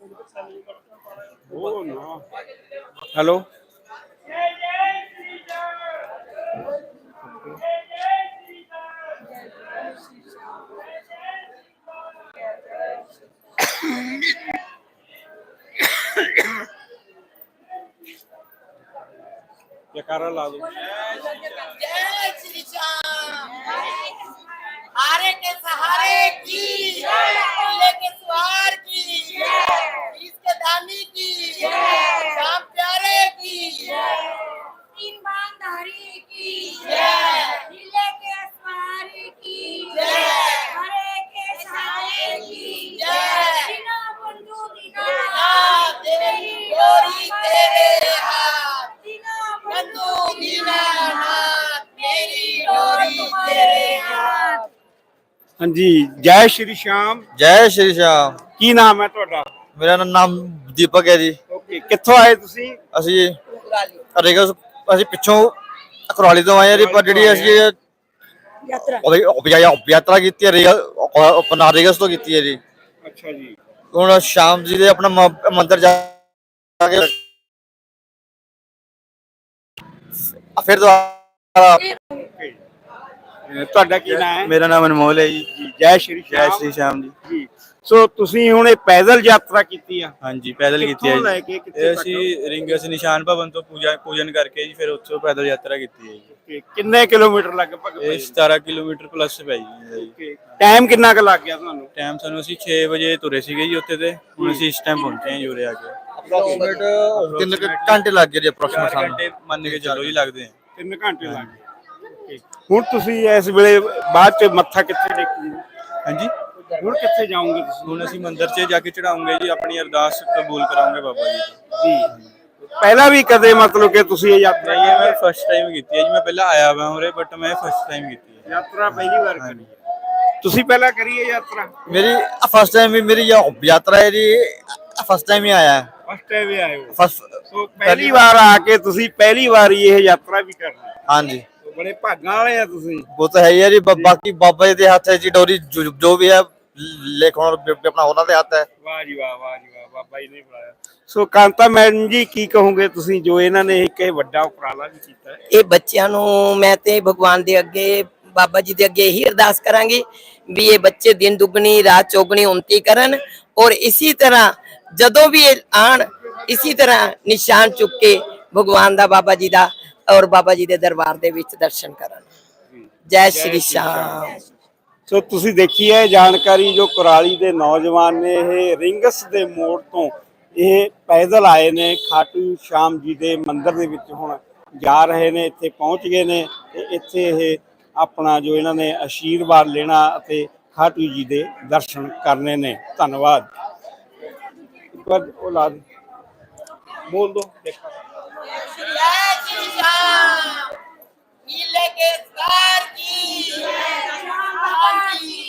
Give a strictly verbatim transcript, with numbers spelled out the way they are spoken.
Hello जयकारा ला दो। जय श्री श्याम। हारे के सहारे की, किले के सवार की, इसके दानी की, श्याम प्यारे की, तीन बांधारी की, किले के सवारी की, हरे के सहारे की, बिना बंधु बिना तेरी डोरी तेरे हाथ, बिना बंधु बिना हाथ, मेरी डोरी तेरे हाथ। हाँ जी, जय श्री श्याम। जय श्री श्याम। की नाम है ਤੁਹਾਡਾ? मेरा नाम दीपक है जी। ਓਕੇ, ਕਿੱਥੋਂ ਆਏ ਤੁਸੀਂ? ਅਸੀਂ ਰੇਗਸ ਅਸੀਂ ਪਿੱਛੋਂ ਕੁਰਾਲੀ ਤੋਂ ਆਏ ਆ ਜੀ। ਪਰ ਜਿਹੜੀ ਅਸੀਂ ਯਾਤਰਾ ਯਾਤਰਾ ਕੀਤੀ ਹੈ ਰੇਗਸ ਆਪਣਾ ਰੇਗਸ ਤੋਂ ਕੀਤੀ ਹੈ ਜੀ। ਅੱਛਾ ਜੀ। ਹੁਣ ਸ਼ਾਮ ਜੀ ਦੇ ਆਪਣਾ ਮੰਦਿਰ ਜਾ ਕੇ ਫਿਰ ਦੁਬਾਰਾ। ਤੁਹਾਡਾ ਕੀ ਨਾਮ ਹੈ? ਮੇਰਾ ਨਾਮ ਅਨਮੋਲ ਹੈ ਜੀ। ਜੈ ਸ਼੍ਰੀ ਜੈ ਸ਼ਾਮ। श्री श्याम जी। ਜੀ ਸੋ ਤੁਸੀਂ ਹੁਣ ਇਹ ਪੈਦਲ ਯਾਤਰਾ ਕੀਤੀ ਆ? ਹਾਂਜੀ ਪੈਦਲ ਕੀਤੀ ਹੈ ਕਿੱਥੋਂ ਲੈ ਜੀ। ਕੇ ਕਿੱਥੇ ਇਹ ਤੱਕ? ਅਸੀਂ ਰਿੰਗਸ ਨਿਸ਼ਾਨ ਭਵਨ ਤੋਂ ਪੂਜਾ ਪੂਜਨ ਕਰਕੇ ਜੀ ਫਿਰ ਉੱਥੋਂ ਪੈਦਲ ਯਾਤਰਾ ਕੀਤੀ ਹੈ ਜੀ। ਓਕੇ, ਕਿੰਨੇ ਕਿਲੋਮੀਟਰ ਲਗਭਗ ਇਹ ਸਤਾਰਾਂ ਕਿਲੋਮੀਟਰ ਪਲੱਸ ਪੈ ਜੀ। ਟਾਈਮ ਕਿੰਨਾ ਕੁ ਲੱਗ ਗਿਆ ਤੁਹਾਨੂੰ? ਟਾਈਮ ਸਾਨੂੰ ਅਸੀਂ ਛੇ ਵਜੇ ਤੁਰੇ ਸੀਗੇ ਜੀ ਉੱਥੇ ਤੇ। ਹੁਣ ਅਸੀਂ ਇਸ ਟਾਈਮ ਪਹੁੰਚੇ ਹਾਂ ਜੀ ਉਰੇ ਆ ਕੇ। ਅਪਰੋਕਸੀਮੇਟ ਤਿੰਨ ਘੰਟੇ ਲੱਗ ਗਏ ਜੀ। ਅਪਰੋਕਸੀਮੇਟ ਚਾਰ ਘੰਟੇ ਮੰਨ ਕੇ ਚੱਲੋ ਜੀ ਲੱਗਦੇ ਆ। ਤਿੰਨ ਘੰਟੇ ਲੱਗ ਗਏ। ਓਕੇ, ਹੁਣ ਤੁਸੀਂ ਇਸ ਵੇਲੇ ਬਾਅਦ ਚ ਮੱਥਾ ਕਿੱਥੇ ਟੇਕੋਗੇ? ਹਾਂਜੀ ਹੁਣ ਕਿੱਥੇ ਜਾਓਗੇ ਤੁਸੀਂ? ਹੁਣ ਅਸੀਂ ਮੰਦਿਰ 'ਚ ਜਾ ਕੇ ਚੜਾਉਂਗੇ ਜੀ। ਆਪਣੀ ਅਰਦਾਸ ਕਬੂਲ ਕਰਾਂਗੇ ਬਾਬਾ ਜੀ ਦੀ। ਜੀ ਪਹਿਲਾਂ ਵੀ ਕਦੇ ਮਤਲਬ ਕਿ ਤੁਸੀਂ ਇਹ ਯਾਤਰਾ ਨਹੀਂ ਇਹ ਮੈਂ ਫਸਟ ਟਾਈਮ ਕੀਤੀ ਹੈ ਜੀ। ਮੈਂ ਪਹਿਲਾਂ ਆਇਆ ਵਾ ਉਰੇ ਬਟ ਮੈਂ ਫਸਟ ਟਾਈਮ ਕੀਤੀ ਹੈ। ਯਾਤਰਾ ਪਹਿਲੀ ਵਾਰ ਕਰੀ ਹੈ? ਤੁਸੀਂ ਪਹਿਲਾਂ ਕਰੀ ਹੈ ਯਾਤਰਾ? ਮੇਰੀ ਫਸਟ ਟਾਈਮ ਵੀ ਮੇਰੀ ਯਾਤਰਾ ਹੈ ਜੀ। ਫਸਟ ਟਾਈਮ ਹੀ ਆਇਆ। ਫਸਟ ਟਾਈਮ ਹੀ ਆਏ ਹੋ? ਫਸਟ ਸੋ ਪਹਿਲੀ ਵਾਰ ਆ ਕੇ ਤੁਸੀਂ ਪਹਿਲੀ ਵਾਰ ਹੀ ਇਹ ਯਾਤਰਾ ਵੀ ਕਰਨੀ? ਹਾਂਜੀ ਬੜੇ ਭਾਗਾਂ ਵਾਲੇ ਆ ਤੁਸੀਂ। वो तो है ही है जी। बाकी बाबा जी के हाथ है जी डोरी। जो जो भी है लेख अपना ਉਹਨਾਂ ਦੇ ਹੱਥ ਹੈ। ਵਾਹ ਜੀ ਵਾਹ, ਵਾਹ ਜੀ ਵਾਹ, ਬਾਬਾ ਜੀ ਨੇ ਬੁਲਾਇਆ। ਸੋ ਕਾਂਤਾ ਮੈਡਮ ਜੀ ਕੀ ਕਹੋਗੇ ਤੁਸੀਂ ਜੋ ਇਹਨਾਂ ਨੇ ਇੱਕ ਇਹ ਵੱਡਾ ਉਪਰਾਲਾ ਵੀ ਕੀਤਾ ਹੈ? ਇਹ ਬੱਚਿਆਂ ਨੂੰ ਮੈਂ ਤੇ ਭਗਵਾਨ ਦੇ ਅੱਗੇ ਬਾਬਾ ਜੀ ਦੇ ਅੱਗੇ ਇਹੀ ਅਰਦਾਸ ਕਰਾਂਗੀ ਵੀ ਇਹ ਬੱਚੇ ਦਿਨ ਦੁੱਗਣੀ ਰਾਤ ਚੌਗਣੀ ਉਨਤੀ ਕਰਨ ਔਰ ਇਸੇ ਤਰ੍ਹਾਂ ਜਦੋਂ ਵੀ ਇਹ ਆਣ ਇਸੇ ਤਰ੍ਹਾਂ ਨਿਸ਼ਾਨ ਚੁੱਕ ਕੇ ਭਗਵਾਨ ਦਾ ਬਾਬਾ ਜੀ ਦਾ ਔਰ ਬਾਬਾ ਜੀ ਦੇ ਦਰਬਾਰ ਦੇ ਵਿੱਚ ਦਰਸ਼ਨ ਕਰਨ। ਜੈ ਸ਼੍ਰੀ ਸ਼ਾਮ। ਸੋ ਤੁਸੀਂ ਦੇਖੀ ਹੈ ਜਾਣਕਾਰੀ ਜੋ ਕੁਰਾਲੀ ਦੇ ਨੌਜਵਾਨ ਨੇ ਇਹ ਰਿੰਗਸ ਦੇ ਮੋੜ ਤੋਂ ਇਹ ਪੈਦਲ ਆਏ ਨੇ ਖਾਟੂ ਸ਼ਾਮ ਜੀ ਦੇ ਮੰਦਿਰ ਦੇ ਵਿੱਚ ਹੁਣ ਜਾ ਰਹੇ ਨੇ। ਇੱਥੇ ਪਹੁੰਚ ਗਏ ਨੇ ਤੇ ਇੱਥੇ ਇਹ ਆਪਣਾ ਜੋ ਇਹਨਾਂ ਨੇ ਆਸ਼ੀਰਵਾਦ ਲੈਣਾ ਅਤੇ ਖਾਟੂ ਜੀ ਦੇ ਦਰਸ਼ਨ ਕਰਨੇ ਨੇ। ਧੰਨਵਾਦ। ਇੱਕ ਵਾਰ ਉਹ ਲਾ ਦੇ ਬੋਲ ਦੋ ਦੇਖਾ। जय श्री श्याम। नीले के सवार की,